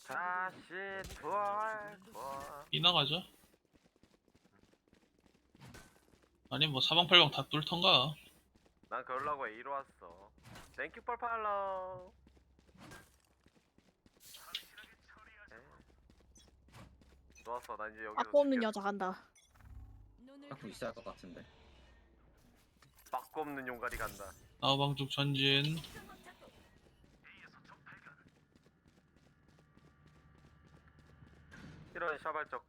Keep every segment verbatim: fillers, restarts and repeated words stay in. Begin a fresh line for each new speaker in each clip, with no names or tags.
다시 돌고.
이 나가죠? 아니 뭐 사방팔방 다 뚫던가.
난 그러려고 A로 왔어. 땡큐 펄 팔로우. 좋았어. 난 이제 여기서
빠꾸 없는
죽겠어.
여자 간다.
갖고 있어야 할 것 같은데.
빠꾸 없는 용가리 간다.
나우방죽 전진.
이런 샤발적.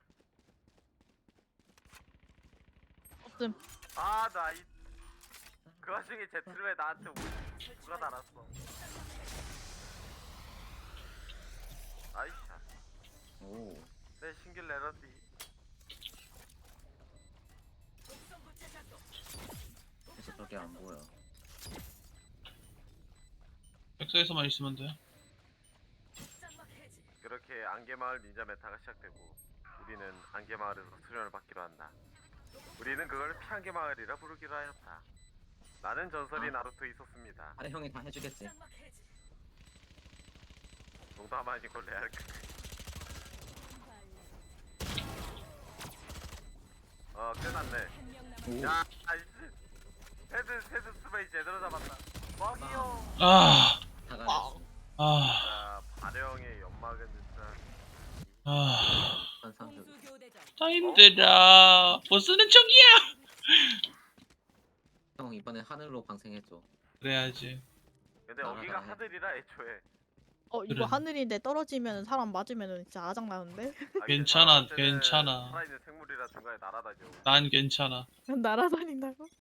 없음.
아나 이. 그 와중에 제트를 왜 나한테 우- 누가 달았어. 아이샤.
오.
내 신길 내렸디.
그래서 그렇게 안 보여.
백사에서만 있으면 돼.
그렇게 안개마을 닌자 메타가 시작되고 우리는 안개마을에서 수련을 받기로 한다. 우리는 그걸 피안개마을이라 부르기로 하였다. 나는 전설이
아.
나루토에 있었습니다.
아래 형이 다 해주겠지.
농담 아니고 레알. 어 끝났네.
오.
야 아이씨. 헤드 헤드 스페이 제대로 잡았다. 뻥이요.
아,
다 가냈어.
아,
자 발령의 연막은 진짜.
아,
환상적.
나 힘들어. 보스는 저기야.
형 이번에 하늘로 방생해줘.
그래야지.
근데
아,
여기가
아, 아.
하늘이라 애초에.
어 이거
그래.
하늘인데 떨어지면 사람 맞으면 진짜 아장 나는데.
아,
괜찮아,
이게 사람한테는
괜찮아.
살아있는 생물이라 중간에 날아다녀.
난 괜찮아.
날아다닌다고?